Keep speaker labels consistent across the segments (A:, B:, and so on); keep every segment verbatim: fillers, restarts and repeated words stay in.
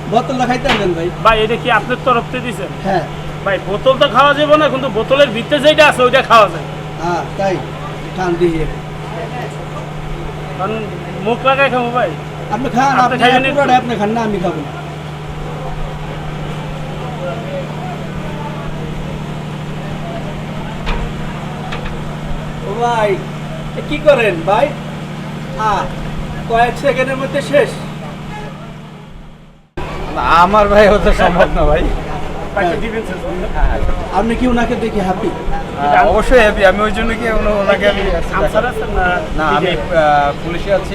A: বোতলটা খাইতে পারবেন ভাই?
B: ভাই এটা কি আপনার তরফ থেকে দিচ্ছেন?
A: হ্যাঁ
B: ভাই বোতল তো খাওয়া যাবে না, কিন্তু বোতলের ভিতরে যেটা আছে ওইটা খাওয়া যায়।
A: হ্যাঁ তাই খান দিয়ে
B: কারণ মুখ লাগাই খাবো ভাই।
A: আপনি খান,
B: আপনি
A: আপনি
B: খাইবেন একটু?
A: পুরোটা আপনি খান না, আমি খাবো না। ও ভাই এ কি করেন ভাই? হ্যাঁ কয়েক সেকেন্ডের মধ্যে শেষ।
C: না আমার ভাই হতে সম্ভব না ভাই।
B: তাকে দিবেন শেষ করুন।
A: আপনি কি ওনাকে দেখে হ্যাপি?
C: হ্যাঁ, অবশ্যই হ্যাপি। আমি ওই জন্য কি ওনা- ওনাকে আমি
B: আনসার আছেন না?
C: না আমি আহ, পুলিশে আছি।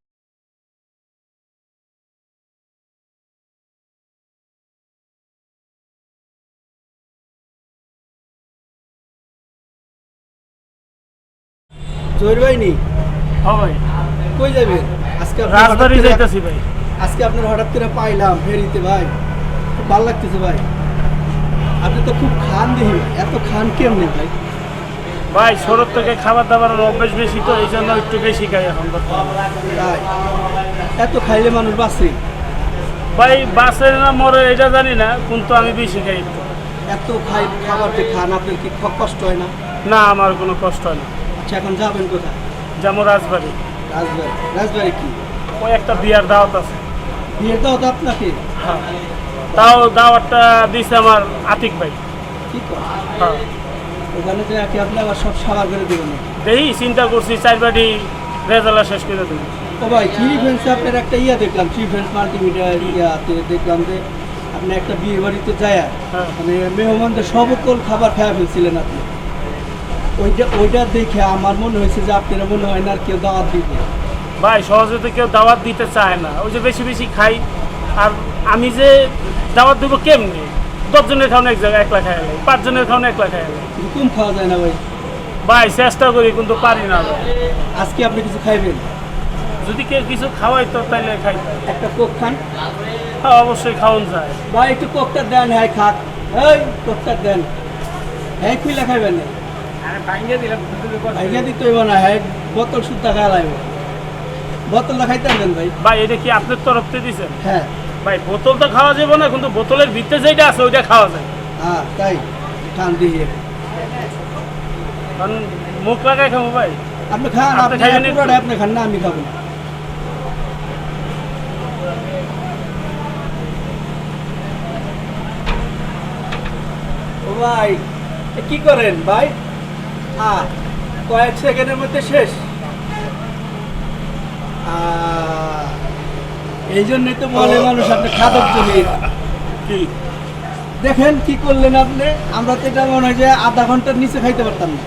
A: জহির ভাই নি
B: হ্যাঁ ভাই,
A: কই যাবেন আজকে? আপনি
B: রাজবাড়ি
A: হঠাৎ করে-
B: যাইতেছি ভাই।
A: আজকে আপনার হঠাৎ করে পাইলাম ফেরিতে ভাই, খুব ভালো লাগতেছে ভাই। আপনি তো খুব খান দেখি ভাই, এত খান কেমনি ভাই?
B: ভাই শরৎ থেকে খাবার দাবার অভ্যেস বেশি, তো এই জন্য একটু বেশি খাই এখন বর্তমানে।
A: তাই এত খাইলে মানুষ বাঁচে?
B: ভাই বাসে না মরে এটা জানি না, কিন্তু আমি বেশি খাই একটু।
A: এত খাই খাবার যে খান, আপনার কি খ- কষ্ট হয় না?
B: না আমার কোনো কষ্ট হয় না।
A: আচ্ছা এখন যাবেন কোথায়?
B: যেমন রাজবাড়ি,
A: রাজবাড়ি। রাজবাড়ি কি
B: ওই একটা বিয়ার দাওয়াত আছে।
A: বিয়ের দাও তো আপনাকে?
B: হ্যাঁ, তাও দাওয়াতটা দিছে আমার আতিক ভাই।
A: কি করে
B: হ্যাঁ,
A: ওখানে যে কি আপনি আবার সব সাবার করে দেবেন না?
B: দেখি চিন্তা করছি চার বাড়ি রেজাল্ট শেষ করে দেবো।
A: ও ভাই থ্রি ফ্রেন্ডসে আপনার একটা ইয়া দেখলাম, থ্রি ফ্রেন্ডস মাল্টিমিডিয়া ইয়াতে দেখলাম যে আপনি একটা বিয়ে বাড়িতে যায়
B: হ্যাঁ।
A: মানে মেহমানদের সকল খাবার খাওয়া ফেলছিলেন আপনি। ওইটা ওইটা দেখে আমার মনে হয়েছে যে আপনারা মনে হয় না আর কেউ দাওয়াত দিবে।
B: ভাই সহজে তো কেউ দাওয়াত দিতে চায় না, ওই যে বেশি বেশি খাই। আর আমি যে দাওয়াত দেবো কেমনি? দশজনের খাওয়ানো এক জায়গায় একলা খাই আলাই, পাঁচজনের খাওয়ানো একলা খাই আলাই।
A: কিন্তু কম খাওয়া যায় না ভাই।
B: ভাই চেষ্টা করি কিন্তু পারি না ভাই।
A: আজকে আপনি কিছু খাইবেন?
B: যদি কেউ কিছু খাওয়াই তো তাইলে খাই।
A: একটা কোক খান
B: হ্যাঁ অবশ্যই খাওয়ান যায়।
A: ভাই, একটু কোকটা দেন। হ্যাঁ খাক, এই কোকটা দেন। হ্যাঁ খুইলা খাইবেন না, ভাইয়া দিতে হইব না। হ্যাঁ বোতল সুদ্ধা খাওয়া লাগবে। বোতলটা খাইতে পারবেন ভাই?
B: ভাই এটা কি আপনার তরফ থেকে দিচ্ছেন?
A: হ্যাঁ
B: ভাই বোতল তো খাওয়া যাবে না, কিন্তু বোতলের ভিতরে যেটা আছে ওইটা খাওয়া যায়।
A: হ্যাঁ তাই খান দিয়ে
B: কারণ মুখ লাগাই খাবো ভাই।
A: আপনি খান,
B: আপনি
A: আপনি
B: খাইবেন একটু?
A: পুরোটা আপনি খান না, আমি খাবো না। ও ভাই এ কি করেন ভাই? হ্যাঁ কয়েক সেকেন্ডের মধ্যে শেষ। আহ, এই জন্যই তো বলে মানুষ আপনি খাদক জমির।
B: কি
A: দেখেন কি করলেন আপনি। আমরা তো এটা মনে হয় যে আধা ঘন্টার নিচে খাইতে পারতাম না।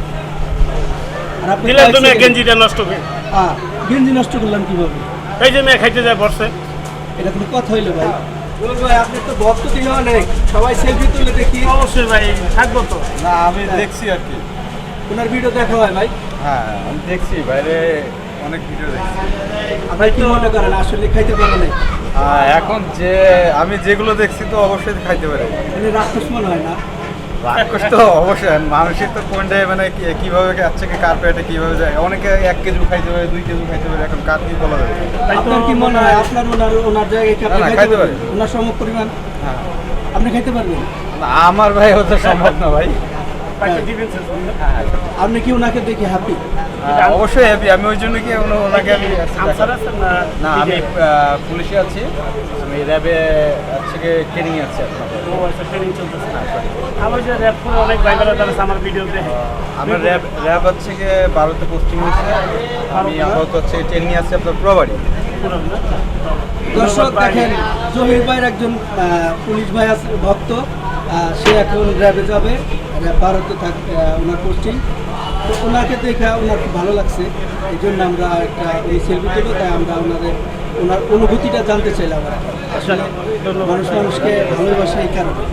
A: আর আপনি
B: দিলে
A: কয়েক
B: তুমি
A: সেকেন্ড-
B: গেঞ্জিটা নষ্ট করে।
A: হ্যাঁ, গেঞ্জি নষ্ট করলাম কিভাবে?
B: এই যে মেয়ে খাইতে যায় বসে।
A: এটা কোনো কথা হইলো ভাই? বল ভাই, আপনি তো ভক্ত দিলে অনেক, সবাই সেলফি তুলে দেখি।
B: অবশ্যই ভাই থাকবো তো।
C: না আমি দেখছি আর কি।
A: ওনার ভিডিও দেখা হয় ভাই?
C: হ্যাঁ আমি দেখছি, বাইরে অনেক ভিডিও দেখছি।
A: আপনার কি মনে করেন আসলে খাইতে পারে নাই?
C: আহ, এখন যে আমি যেগুলো দেখছি তো অবশ্যই খাইতে পারে।
A: মানে রাক্ষস মনে হয় না?
C: রাক্ষস তো অবশ্যই, মানুষের তো কোনটা মানে কি- কিভাবে যাচ্ছে কি কার পেটে কিভাবে যায়, অনেকে এক কেজি খাইতে পারে, দুই কেজি খাইতে পারে, এখন কার কি বলা যাবে।
B: তাই তো
A: আপনার কি মনে হয় আপনার ওনার ওনার জায়গায় কি আপনি
C: না, না,
A: খাইতে
C: খাইতে
A: পারবেন?
C: পারি।
A: ওনার সম পরিমাণ
C: হ্যাঁ
A: আপনি খাইতে পারবেন?
C: না, আমার ভাই হতে সম্ভব না ভাই।
B: তাকে দিবেন শেষ করুন।
C: হ্যাঁ
A: আপনি কি ওনাকে দেখে হ্যাপি?
C: হ্যাঁ, অবশ্যই হ্যাপি। আমি ওই জন্য কি ওনা- ওনাকে আমি
B: আনসার আছেন না?
C: না আমি আহ, পুলিশে আছি। আমি র্যাবে হচ্ছে গিয়ে ট্রেনিং আছি আপনার।
B: ও আচ্ছা, ট্রেনিং চলতেছে। আমার যে র্যাপ করে অনেক ভাইবেলা তারা আমার ভিডিও দেখে।
C: আমার র্যাব র্যাব হচ্ছে গিয়ে ভারতে পোস্টিং হয়েছে। আমি আপাতত হচ্ছে ট্রেনিং আছি আপনার প্রবাড়ি।
B: পুরো না?
A: দর্শক দেখেন, জহির ভাইয়ের একজন আহ, পুলিশ ভাই আছে ভক্ত। আহ, সে এখন র্যাবে যাবে, র্যাব ভারতে থাক আহ, ওনার পোস্টিং। তো ওনাকে দেখে ওনার খুব ভালো লাগছে, এই জন্য আমরা একটা উনি সেলফি তুলো, তাই আমরা ওনাদের ওনার অনুভূতিটা জানতে চাইলাম। আর কি। আসলে মানুষ মানুষকে ভালোবাসে এই কারণে।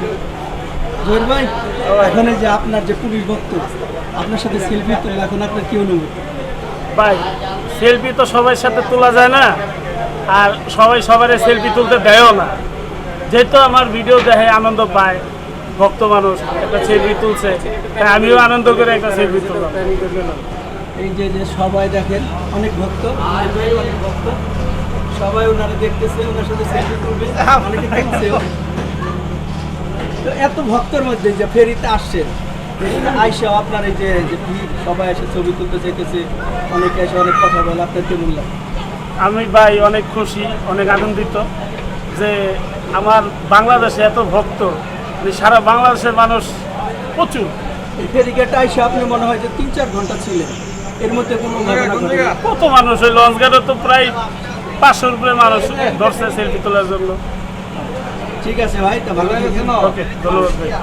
A: জহির ভাই, এখন এই যে আপনার যে পুলিশ ভক্ত আপনার সাথে সেলফি তুললে এখন আপনার কি অনুভূতি?
B: ভাই সেলফি তো সবার সাথে তোলা যায় না, আর সবাই সবার সেলফি তুলতে দেয়ও না। যেহেতু আমার ভিডিও দেখে আনন্দ পায়, ভক্ত মানুষ একটা সেলফি তুলছে, তাই আমিও আনন্দ করে একটা সেলফি তুললাম।
A: এই যে যে সবাই দেখেন অনেক ভক্ত, অনেক ভক্ত, সবাই ওনারা দেখতেছে, ওনার সাথে সেলফি তুলবে, অনেকে দেখছেও। তো এত ভক্তের মধ্যে যে ফেরিতে আসছেন, এখানে আইসা আপনার এই যে যে ভিড়, সবাই এসে ছবি তুলতে চাইতেছে, অনেকে এসে অনেক কথা বলে, আপনার কেমন লাগে?
B: আমি ভাই অনেক খুশি, অনেক আনন্দিত যে আমার বাংলাদেশে এত ভক্ত, মানে সারা বাংলাদেশের মানুষ প্রচুর।
A: এই ফেরিঘাটে আইসা আপনি মনে হয় যে তিন চার ঘন্টা ছিলেন, এর মধ্যে কোনো ঘটনা ঘটেনি?
B: কত মানুষ, ওই লঞ্চ ঘাটে তো প্রায় পাঁচশোর উপরে মানুষ ধরছে সেলফি তোলার জন্য।
A: ঠিক আছে ভাই, তা ভালো থাকেন।
B: ওকে, ধন্যবাদ ভাই।